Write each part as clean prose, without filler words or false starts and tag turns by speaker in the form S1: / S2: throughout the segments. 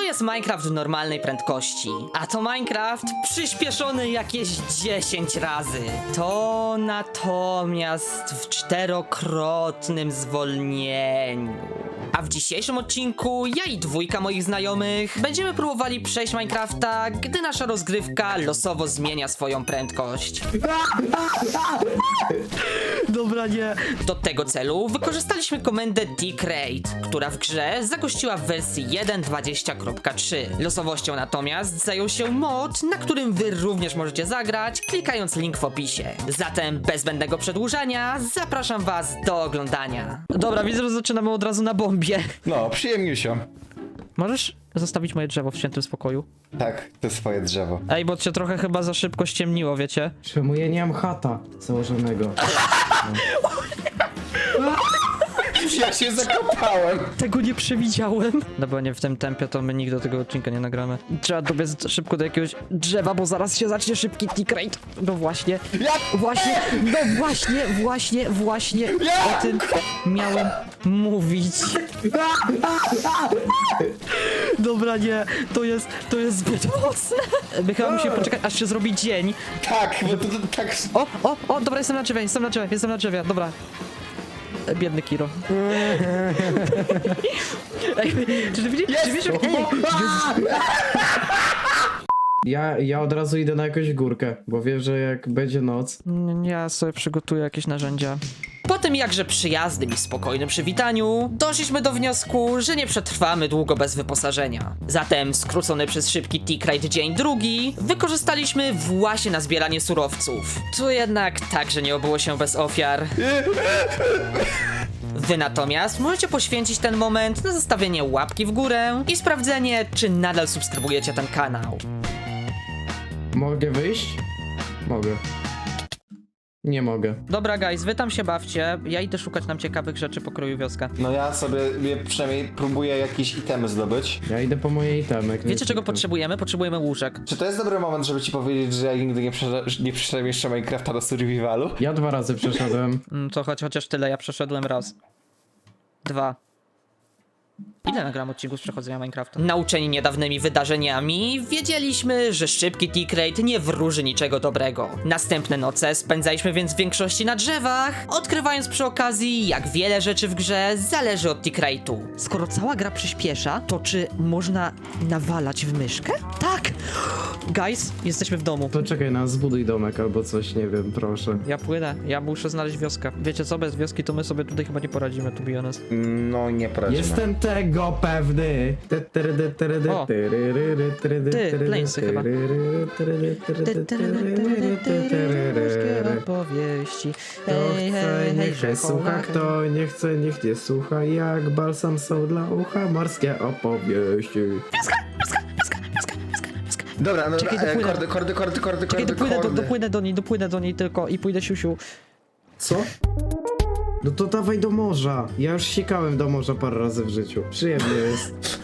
S1: jest Minecraft w normalnej prędkości, a to Minecraft przyspieszony jakieś 10 razy. To natomiast w 4-krotnym zwolnieniu. A w dzisiejszym odcinku ja i dwójka moich znajomych będziemy próbowali przejść Minecrafta, gdy nasza rozgrywka losowo zmienia swoją prędkość. Dobra, nie. Do tego celu wykorzystaliśmy komendę Decrate, która w grze zagościła w wersji 1.20.3. Losowością natomiast zajął się mod, na którym wy również możecie zagrać, klikając link w opisie. Zatem bez zbędnego przedłużania zapraszam was do oglądania. Dobra, widzę, że zaczynamy od razu na bombie.
S2: No, przyjemnie się.
S1: Możesz zostawić moje drzewo w świętym spokoju?
S2: Tak, to swoje drzewo.
S1: Ej, bo cię trochę chyba za szybko ściemniło, wiecie?
S3: Czemu ja nie mam chata założonego?
S2: Ja się zakopałem.
S1: Tego nie przewidziałem. No bo nie w tym tempie, to my nigdy do tego odcinka nie nagramy. Trzeba dobiec szybko do jakiegoś drzewa, bo zaraz się zacznie szybki Decrate. No właśnie. Właśnie o tym miałem mówić. Dobra, nie, to jest zbyt mocne. My chyba musimy poczekać, aż się zrobi dzień.
S2: Tak, bo to tak...
S1: O, dobra, jestem na drzewie, dobra. Biedny Kiro. Ej, czy ty widzisz?
S3: Ja od razu idę na jakąś górkę, bo wiem, że jak będzie noc...
S1: Ja sobie przygotuję jakieś narzędzia. Po tym jakże przyjaznym i spokojnym przywitaniu, doszliśmy do wniosku, że nie przetrwamy długo bez wyposażenia. Zatem skrócony przez szybki Decrate dzień drugi wykorzystaliśmy właśnie na zbieranie surowców. Tu jednak także nie obyło się bez ofiar. Wy natomiast możecie poświęcić ten moment na zostawienie łapki w górę i sprawdzenie, czy nadal subskrybujecie ten kanał.
S3: Mogę wyjść? Mogę. Nie mogę.
S1: Dobra guys, wy tam się bawcie, ja idę szukać nam ciekawych rzeczy pokroju wioska.
S2: No ja sobie przynajmniej próbuję jakieś itemy zdobyć.
S3: Ja idę po moje itemy.
S1: Wiecie czego potrzebujemy? Potrzebujemy łóżek.
S2: Czy to jest dobry moment, żeby ci powiedzieć, że ja nigdy nie przeszedłem jeszcze Minecrafta do survivalu?
S3: Ja 2 razy przeszedłem.
S1: To chociaż tyle, ja przeszedłem raz. 2. Ile nagram odcinków z przechodzenia Minecrafta? Nauczeni niedawnymi wydarzeniami, wiedzieliśmy, że szybki Decrate nie wróży niczego dobrego. Następne noce spędzaliśmy więc w większości na drzewach, odkrywając przy okazji, jak wiele rzeczy w grze zależy od Decrate'u. Skoro cała gra przyspiesza, to czy można nawalać w myszkę? Tak! Guys, jesteśmy w domu.
S3: To czekaj, zbuduj domek albo coś, nie wiem, proszę.
S1: Ja płynę, ja muszę znaleźć wioskę. Wiecie co, bez wioski to my sobie tutaj chyba nie poradzimy, to be honest.
S2: No nie poradzimy.
S3: Jestem tego pewny.
S1: O. Ty, Planesy chyba. Opowieści.
S3: Kto chce, niech nie słucha, kto nie chce, niech nie słucha. Jak balsam są dla ucha, morskie opowieści.
S2: Dobra, no
S1: Czekaj, dopłynę.
S2: kordy.
S1: Czekaj, dopłynę do niej tylko i pójdę siusiu.
S3: Co? No to dawaj do morza. Ja już sikałem do morza parę razy w życiu. Przyjemnie jest.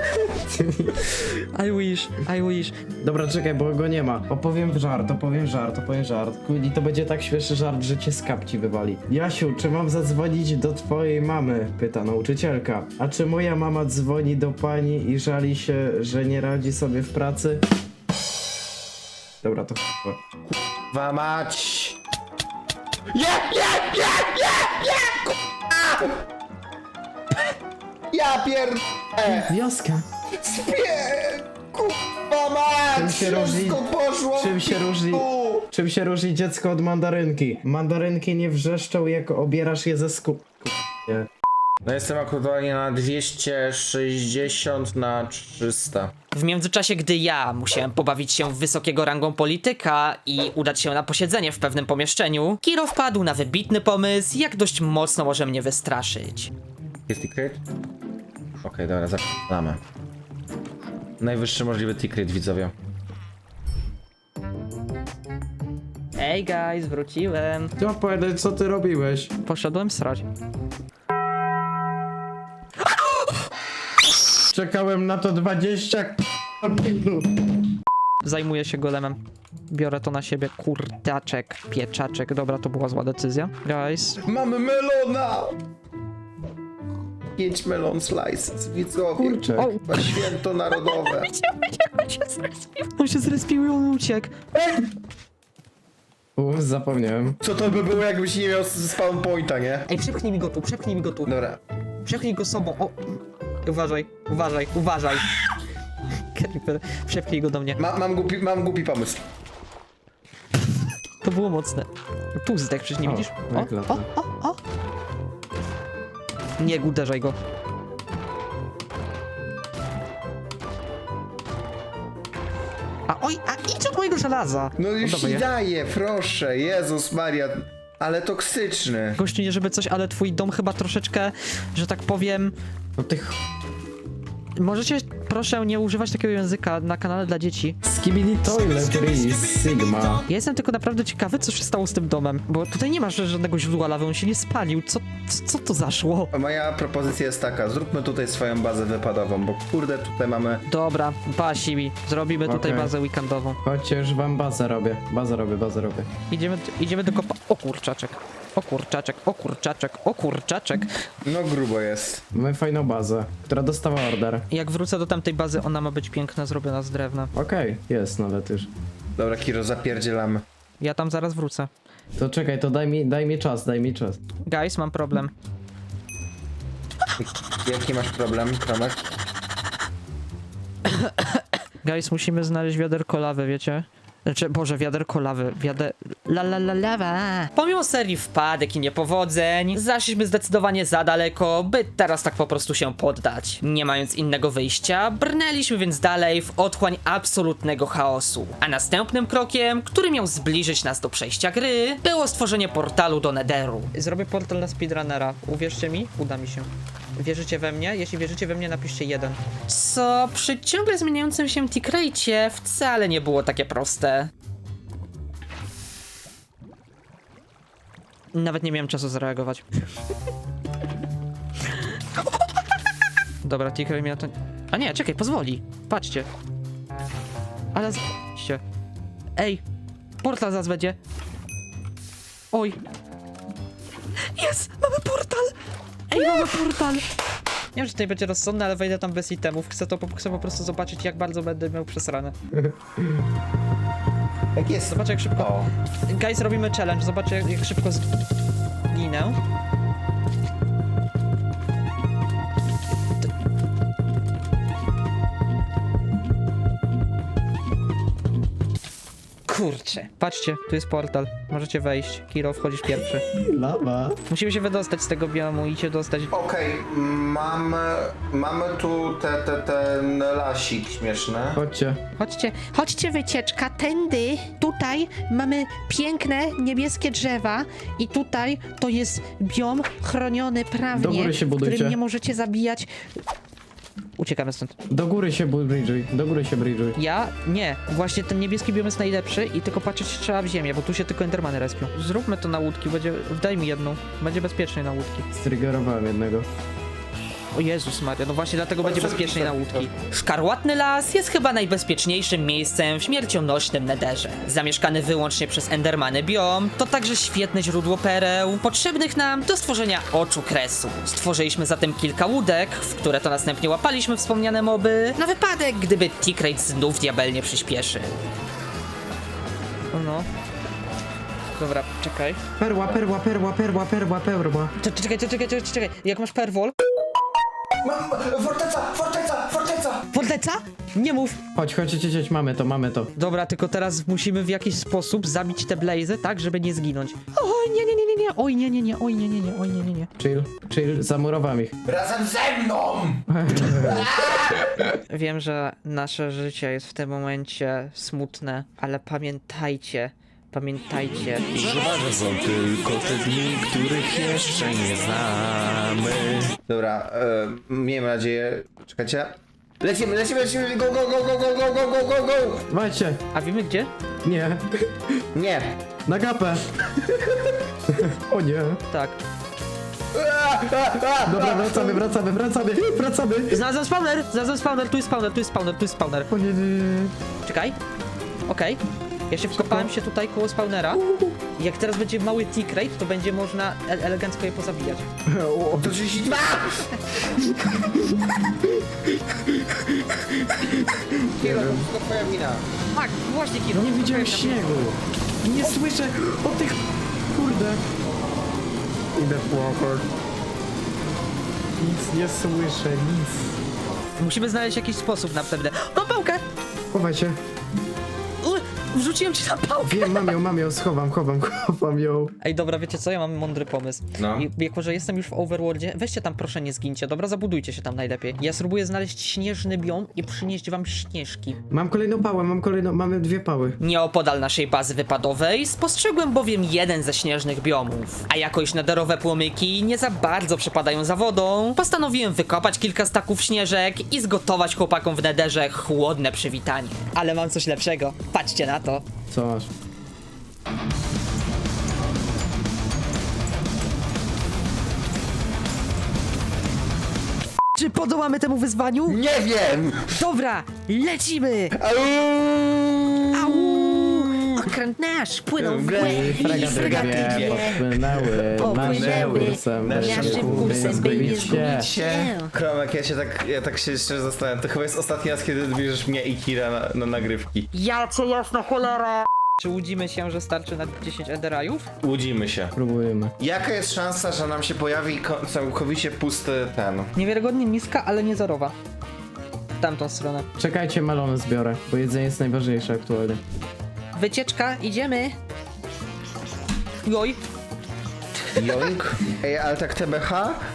S1: I wish.
S3: Dobra, czekaj, bo go nie ma. Opowiem żart. I to będzie tak śmieszny żart, że cię z kapci wywali. Jasiu, czy mam zadzwonić do twojej mamy? Pyta nauczycielka. A czy moja mama dzwoni do pani i żali się, że nie radzi sobie w pracy? Dobra, to chyba.
S2: Kurwa mać! Ja pier...
S3: Wioska.
S2: Kurwa mać! Wszystko poszło
S3: Czym się różni dziecko od mandarynki? Mandarynki nie wrzeszczą, jak obierasz je ze Nie.
S2: No jestem aktualnie na 260 na 300.
S1: W międzyczasie, gdy ja musiałem pobawić się w wysokiego rangą polityka i udać się na posiedzenie w pewnym pomieszczeniu, Kiro wpadł na wybitny pomysł, jak dość mocno może mnie wystraszyć.
S2: Jest Decrate? Okej, dobra, zaczynamy. Najwyższy możliwy Decrate, widzowie.
S1: Ej guys, wróciłem.
S3: Ty opowiadaj, co ty robiłeś?
S1: Poszedłem srać.
S3: Czekałem na to 20 minut.
S1: Zajmuję się golemem. Biorę to na siebie. Kurczaczek, pieczaczek. Dobra, to była zła decyzja. Guys.
S2: Mamy melona! 5 melon slices, widzowie.
S3: Kurczę.
S1: O.
S2: Chyba święto narodowe.
S1: On się zrespił i on uciekł.
S3: Zapomniałem.
S2: Co to by było, jakbyś nie miał spawn pointa, nie?
S1: Ej, przepchnij mi go tu, przepchnij mi go tu.
S2: Dobra.
S1: Przepchnij go sobą, o. Uważaj, uważaj, uważaj. Creeper, przepchnij go do mnie.
S2: Mam głupi pomysł.
S1: To było mocne. Tu zdech, przecież nie
S3: O,
S1: widzisz?
S3: jak lata.
S1: o. Nie uderzaj go. A idź od mojego żelaza.
S2: No już
S1: dobra,
S2: ci
S1: ja-
S2: daję, proszę, Jezus Maria. Ale toksyczny.
S1: Gościu, nie żeby coś, ale twój dom chyba troszeczkę, że tak powiem...
S3: No tych...
S1: Możecie, proszę, nie używać takiego języka na kanale dla dzieci.
S3: Skibidi Toiletries Sigma.
S1: Ja jestem tylko naprawdę ciekawy, co się stało z tym domem, bo tutaj nie masz żadnego źródła lawy, on się nie spalił. Co to zaszło?
S2: Moja propozycja jest taka, zróbmy tutaj swoją bazę wypadową, bo kurde, tutaj mamy...
S1: Dobra, pasi mi. Zrobimy tutaj
S3: Okej.
S1: bazę weekendową.
S3: Chodźcie, już wam bazę robię. Bazę robię.
S1: Idziemy do kopa... O kurczaczek. O kurczaczek, o kurczaczek, o kurczaczek.
S2: No grubo jest.
S3: Mamy fajną bazę, która dostała order.
S1: Jak wrócę do tamtej bazy, ona ma być piękna, zrobiona z drewna.
S3: Okej, jest nawet już.
S2: Dobra, Kiro, zapierdzielamy.
S1: Ja tam zaraz wrócę.
S3: To czekaj, to daj mi czas.
S1: Guys, mam problem.
S2: Jaki masz problem, Kromek?
S1: Guys, musimy znaleźć wiaderko lawy, wiecie? Znaczy, Boże, wiaderko lawy, lawa. Pomimo serii wpadek i niepowodzeń, zaszliśmy zdecydowanie za daleko, by teraz tak po prostu się poddać. Nie mając innego wyjścia, brnęliśmy więc dalej w otchłań absolutnego chaosu. A następnym krokiem, który miał zbliżyć nas do przejścia gry, było stworzenie portalu do Netheru. Zrobię portal na speedrunnera. Uwierzcie mi, uda mi się. Wierzycie we mnie? Jeśli wierzycie we mnie, napiszcie 1. Co przy ciągle zmieniającym się T-Crate wcale nie było takie proste. Nawet nie miałem czasu zareagować. Dobra, T-Crate mi na to... A nie, czekaj, pozwoli. Patrzcie. Ale... Patrzcie. Ej, portal zaraz będzie. Oj. Jest! Mamy portal! Ej, mamy portal! Nie wiem, czy tutaj będzie rozsądne, ale wejdę tam bez itemów. Chcę po prostu zobaczyć, jak bardzo będę miał przesrane.
S2: Jak jest?
S1: Zobacz, jak szybko...
S2: O,
S1: Guys, robimy challenge. Zobaczcie, jak szybko zginę. Kurczę. Patrzcie, tu jest portal. Możecie wejść. Kiro, wchodzisz pierwszy.
S3: Lawa.
S1: Musimy się wydostać z tego biomu i się dostać...
S2: okej, mamy tu ten lasik śmieszny.
S1: Chodźcie wycieczka, tędy, tutaj mamy piękne niebieskie drzewa i tutaj to jest biom chroniony
S3: Do
S1: prawnie,
S3: góry się
S1: w
S3: budujcie.
S1: którym nie możecie zabijać. Uciekamy stąd.
S3: Do góry się bridżuj.
S1: Ja? Nie. Właśnie ten niebieski biom jest najlepszy i tylko patrzeć trzeba w ziemię, bo tu się tylko endermany respią. Zróbmy to na łódki, daj mi jedną. Będzie bezpieczniej na łódki.
S3: Striggerowałem jednego.
S1: O Jezus Maria, no właśnie dlatego będzie bezpieczniej na łódki. Szkarłatny las jest chyba najbezpieczniejszym miejscem w śmiercionośnym Netherze. Zamieszkany wyłącznie przez endermany biom, to także świetne źródło pereł, potrzebnych nam do stworzenia oczu kresu. Stworzyliśmy zatem kilka łódek, w które to następnie łapaliśmy wspomniane moby, na wypadek, gdyby T-Crate znów diabelnie przyspieszy. O no. Dobra, czekaj.
S3: Perła.
S1: Czekaj, jak masz perwol?
S2: Forteca!
S1: Forteca? Nie mów!
S3: Chodź, mamy to.
S1: Dobra, tylko teraz musimy w jakiś sposób zabić te blazy, tak, żeby nie zginąć. Oj, nie. Oj, nie.
S3: Chill, zamurowałem ich.
S2: Razem ze mną!
S1: Wiem, że nasze życie jest w tym momencie smutne, ale pamiętajcie.
S4: Że są tylko te dni, których jeszcze nie znamy.
S2: Dobra, miejmy nadzieję... Czekajcie. Lecimy, go!
S3: Macie.
S1: A wiemy gdzie?
S3: Nie.
S2: Nie.
S3: Na gapę. O nie.
S1: Tak.
S3: Dobra, wracamy.
S1: Znalazłem spawner, tu jest spawner.
S3: O nie.
S1: Czekaj. Okej. Ja się wkopałem się tutaj koło spawnera. I jak teraz będzie mały tick rate, to będzie można elegancko je pozabijać.
S2: To 32! Kiro, to twoja wina.
S1: Tak, właśnie Kiro.
S3: Nie widziałem śniegu. Nie słyszę o tych... Kurde. Idę płakać. Nic nie słyszę, nic.
S1: Musimy znaleźć jakiś sposób na pewno. Mam pałkę!
S3: Chowaj się.
S1: Wrzuciłem ci na pałkę!
S3: Wiem, mam ją, chowam ją.
S1: Ej, dobra, wiecie co? Ja mam mądry pomysł.
S2: No.
S1: Jako, że jestem już w Overworldzie, weźcie tam proszę nie zgincie, dobra? Zabudujcie się tam najlepiej. Ja spróbuję znaleźć śnieżny biom i przynieść wam śnieżki.
S3: Mam kolejną pałę, mamy 2 pały.
S1: Nieopodal naszej bazy wypadowej spostrzegłem bowiem jeden ze śnieżnych biomów. A jako iż nederowe płomyki nie za bardzo przepadają za wodą, postanowiłem wykopać kilka staków śnieżek i zgotować chłopakom w nederze chłodne przywitanie. Ale mam coś lepszego. Patrzcie na to.
S3: Co masz?
S1: Czy podołamy temu wyzwaniu?
S2: Nie wiem!
S1: Dobra, lecimy! Au! Okręt nasz płynął w głęb i fregaty dwie
S3: Popłynęły
S1: Popłynęły
S3: kursem,
S1: naszym kursem, by nie zgubić się.
S2: Kromek, ja tak się szczerze zastanawiam. To chyba jest ostatni raz, kiedy bierzesz mnie i Kira na nagrywki.
S1: Ja cię jasna cholera! Czy łudzimy się, że starczy na 10 enderajów?
S2: Łudzimy się.
S3: Próbujemy.
S2: Jaka jest szansa, że nam się pojawi całkowicie pusty ten?
S1: Niewiarygodnie niska, ale nie zerowa. W tamtą stronę.
S3: Czekajcie, melony zbiorę, bo jedzenie jest najważniejsze aktualnie.
S1: Wycieczka, idziemy! Joj!
S2: Joink. Ej, ale tak TBH,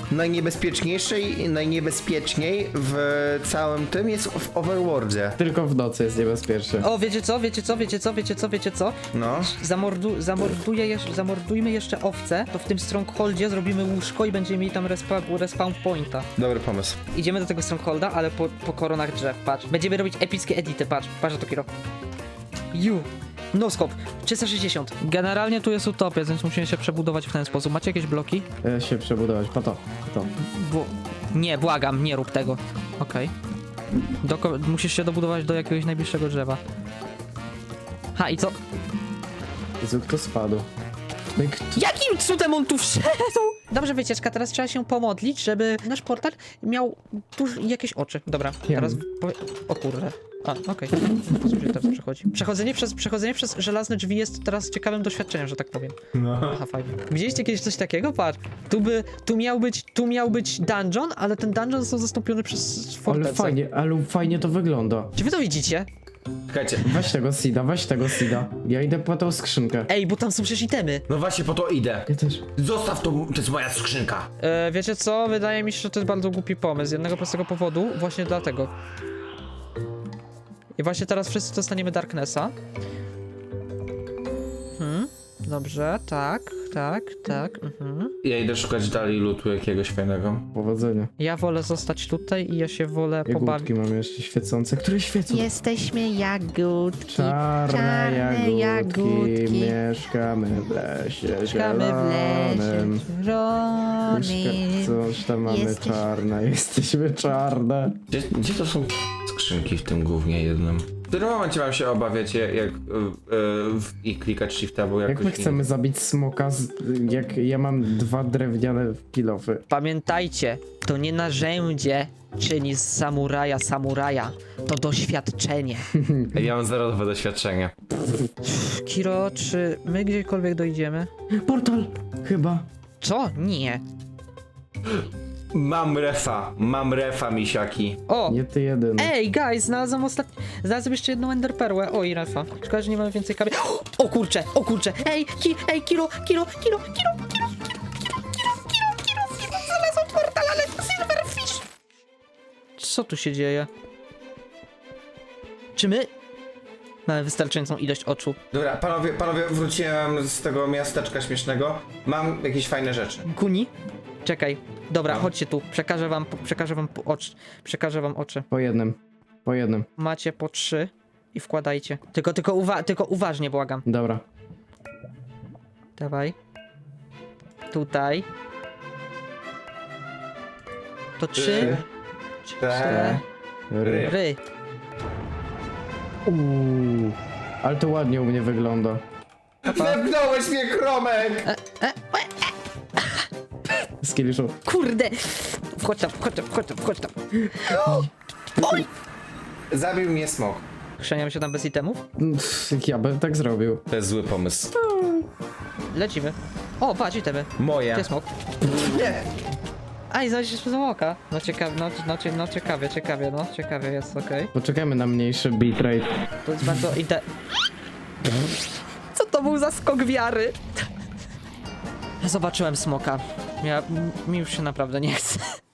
S2: najniebezpieczniej w całym tym jest w Overworldzie.
S3: Tylko w nocy jest niebezpiecznie.
S1: O, wiecie co?
S2: No.
S1: Zamordujmy jeszcze owce, to w tym strongholdzie zrobimy łóżko i będziemy mieli tam respawn pointa.
S2: Dobry pomysł.
S1: Idziemy do tego strongholda, ale po koronach drzew, patrz. Będziemy robić epickie edity, patrz na to Kiro. Noskop, 360. Generalnie tu jest utopia, więc musimy się przebudować w ten sposób. Macie jakieś bloki?
S3: Się przebudować, po to.
S1: Nie, błagam, nie rób tego. Okej. Musisz się dobudować do jakiegoś najbliższego drzewa. Ha, i co?
S3: Jezu, kto spadł? No i kto...
S1: Jakim cudem on tu wszedł? Dobrze, wycieczka, teraz trzeba się pomodlić, żeby nasz portal miał jakieś oczy. Dobra, teraz... O kurde. A, okej. Co się teraz przechodzi? Przechodzenie przez żelazne drzwi jest teraz ciekawym doświadczeniem, że tak powiem.
S2: No.
S1: Aha, fajnie. Widzieliście kiedyś coś takiego? Patrz. Tu miał być dungeon, ale ten dungeon został zastąpiony przez fortecę.
S3: Ale fajnie to wygląda.
S1: Czy wy to widzicie?
S2: Czekajcie.
S3: Weź tego seeda. Ja idę po tą skrzynkę.
S1: Ej, bo tam są przecież itemy.
S2: No właśnie po to idę.
S3: Ja też.
S2: Zostaw to jest moja skrzynka.
S1: Wiecie co? Wydaje mi się, że to jest bardzo głupi pomysł. Z jednego prostego powodu, właśnie dlatego. I właśnie teraz wszyscy dostaniemy Darknessa. Dobrze, tak.
S2: Ja idę szukać dalej lootu jakiegoś fajnego.
S3: Powodzenia.
S1: Ja wolę zostać tutaj i ja się wolę pobawić.
S3: Jagódki mamy jeszcze świecące, które świecą.
S5: Jesteśmy jagódki.
S3: Czarne jagódki,
S5: jagódki.
S3: mieszkamy w lesie
S1: Mieszkamy w lesie
S3: zielonym.
S1: zielonym.
S3: Coś tam mamy
S5: Jesteś-
S3: czarne, jesteśmy czarne.
S2: Gdzie to są skrzynki w tym głównie jednym? W którym momencie mam się obawiać i klikać shifta, bo jakoś...
S3: Jak my chcemy zabić smoka, jak ja mam 2 drewniane kilofy?
S1: Pamiętajcie, to nie narzędzie czyni z samuraja. To doświadczenie.
S2: Ej, ja mam zerowe doświadczenie.
S1: Kiro, czy my gdziekolwiek dojdziemy?
S3: Portal! Chyba.
S1: Co? Nie.
S2: Mam refa, misiaki.
S1: O!
S3: Nie ty jedyny.
S1: Ej, guys, znalazłem jeszcze jedną enderperłę. Oj, Rafa. Szkoda, że nie mamy więcej kamieni. O kurcze! Ej, Kiro! Znalazłem portal, ale Silverfish! Co tu się dzieje? Czy my mamy wystarczającą ilość oczu?
S2: Dobra, panowie, wróciłem z tego miasteczka śmiesznego. Mam jakieś fajne rzeczy.
S1: Kuni? Czekaj. Dobra,
S2: No.
S1: chodźcie tu. Przekażę wam oczy.
S3: Po jednym.
S1: Macie po 3 i wkładajcie. Tylko uważnie, błagam.
S3: Dobra.
S1: Dawaj. Tutaj. To 3, 4.
S3: Ry.
S1: Ry.
S3: Uuu. Ale to ładnie u mnie wygląda.
S2: Wepnąłeś mnie, Kromek!
S3: Skilliszu.
S1: Kurde! Wchodź tam, wchodź tam, wchodź tam, wchodź tam. Oj!
S2: Zabił mnie smok.
S1: Chrzeniam się tam bez itemów?
S3: Ja bym tak zrobił.
S2: To jest zły pomysł.
S1: Lecimy. O, patrz, itemy.
S2: Moje.
S1: Gdzie smok?
S2: Nie!
S1: A, i znaleźć się smoka. No ciekawie, ciekawie jest, okej.
S3: Poczekajmy na mniejszy bitrate.
S1: To jest bardzo Co to był za skok wiary? Zobaczyłem smoka. Mi już się naprawdę nie chce.